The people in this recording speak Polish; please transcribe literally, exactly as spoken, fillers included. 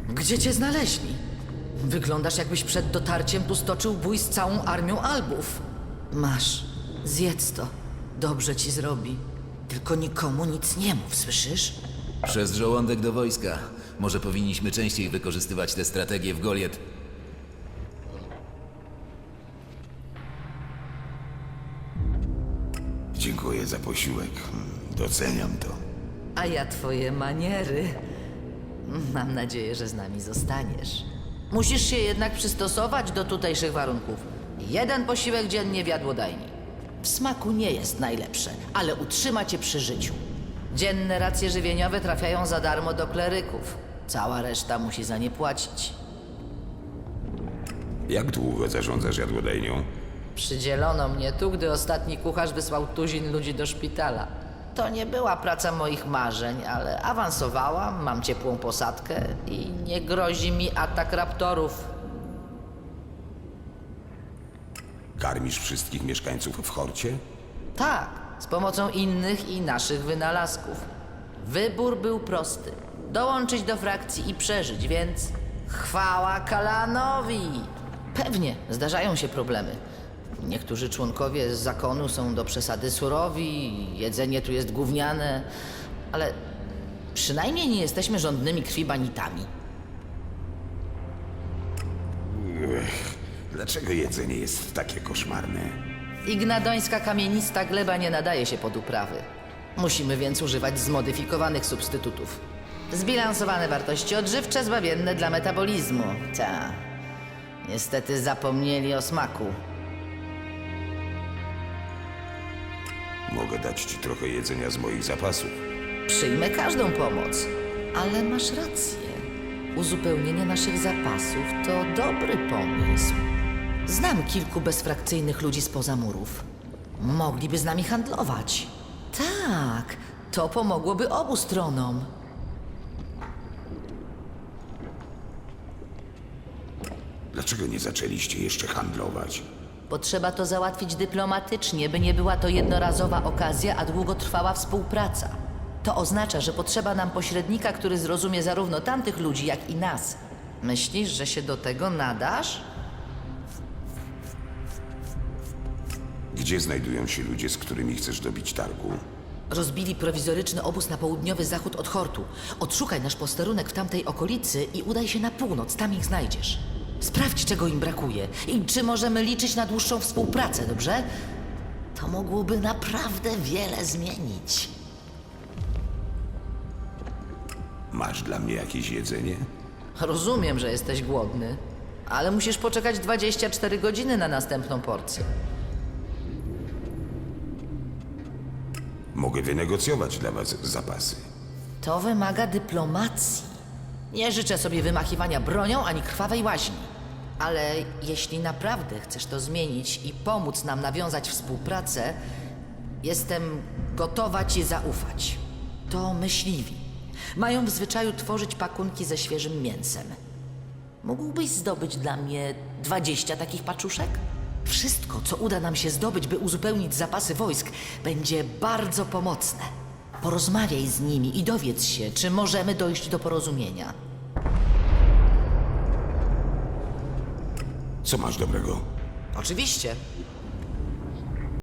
Gdzie cię znaleźli? Wyglądasz, jakbyś przed dotarciem tu stoczył bój z całą armią Albów. Masz, zjedz to. Dobrze ci zrobi. Tylko nikomu nic nie mów, słyszysz? Przez żołądek do wojska. Może powinniśmy częściej wykorzystywać tę strategię w Goliet. Dziękuję za posiłek. Doceniam to. A ja twoje maniery. Mam nadzieję, że z nami zostaniesz. Musisz się jednak przystosować do tutejszych warunków. Jeden posiłek dziennie w jadłodajni. W smaku nie jest najlepsze, ale utrzyma cię przy życiu. Dzienne racje żywieniowe trafiają za darmo do kleryków. Cała reszta musi za nie płacić. Jak długo zarządzasz jadłodajnią? Przydzielono mnie tu, gdy ostatni kucharz wysłał tuzin ludzi do szpitala. To nie była praca moich marzeń, ale awansowałam, mam ciepłą posadkę i nie grozi mi atak raptorów. Karmisz wszystkich mieszkańców w Horcie? Tak, z pomocą innych i naszych wynalazków. Wybór był prosty. Dołączyć do frakcji i przeżyć, więc chwała Kalanowi! Pewnie, zdarzają się problemy. Niektórzy członkowie z zakonu są do przesady surowi, jedzenie tu jest gówniane, ale przynajmniej nie jesteśmy żądnymi krwi banitami. Dlaczego jedzenie jest takie koszmarne? Ignadońska kamienista gleba nie nadaje się pod uprawy. Musimy więc używać zmodyfikowanych substytutów. Zbilansowane wartości odżywcze zbawienne dla metabolizmu. Ta. Niestety zapomnieli o smaku. Mogę dać ci trochę jedzenia z moich zapasów. Przyjmę każdą pomoc. Ale masz rację. Uzupełnienie naszych zapasów to dobry pomysł. Znam kilku bezfrakcyjnych ludzi spoza murów. Mogliby z nami handlować. Tak, to pomogłoby obu stronom. Dlaczego nie zaczęliście jeszcze handlować? Potrzeba to załatwić dyplomatycznie, by nie była to jednorazowa okazja, a długotrwała współpraca. To oznacza, że potrzeba nam pośrednika, który zrozumie zarówno tamtych ludzi, jak i nas. Myślisz, że się do tego nadasz? Gdzie znajdują się ludzie, z którymi chcesz dobić targu? Rozbili prowizoryczny obóz na południowy zachód od Hortu. Odszukaj nasz posterunek w tamtej okolicy i udaj się na północ, tam ich znajdziesz. Sprawdź, czego im brakuje i czy możemy liczyć na dłuższą współpracę, dobrze? To mogłoby naprawdę wiele zmienić. Masz dla mnie jakieś jedzenie? Rozumiem, że jesteś głodny, ale musisz poczekać dwadzieścia cztery godziny na następną porcję. Mogę wynegocjować dla was zapasy. To wymaga dyplomacji. Nie życzę sobie wymachiwania bronią ani krwawej łaźni. Ale jeśli naprawdę chcesz to zmienić i pomóc nam nawiązać współpracę, jestem gotowa ci zaufać. To myśliwi. Mają w zwyczaju tworzyć pakunki ze świeżym mięsem. Mógłbyś zdobyć dla mnie dwadzieścia takich paczuszek? Wszystko, co uda nam się zdobyć, by uzupełnić zapasy wojsk, będzie bardzo pomocne. Porozmawiaj z nimi i dowiedz się, czy możemy dojść do porozumienia. Co masz dobrego? Oczywiście.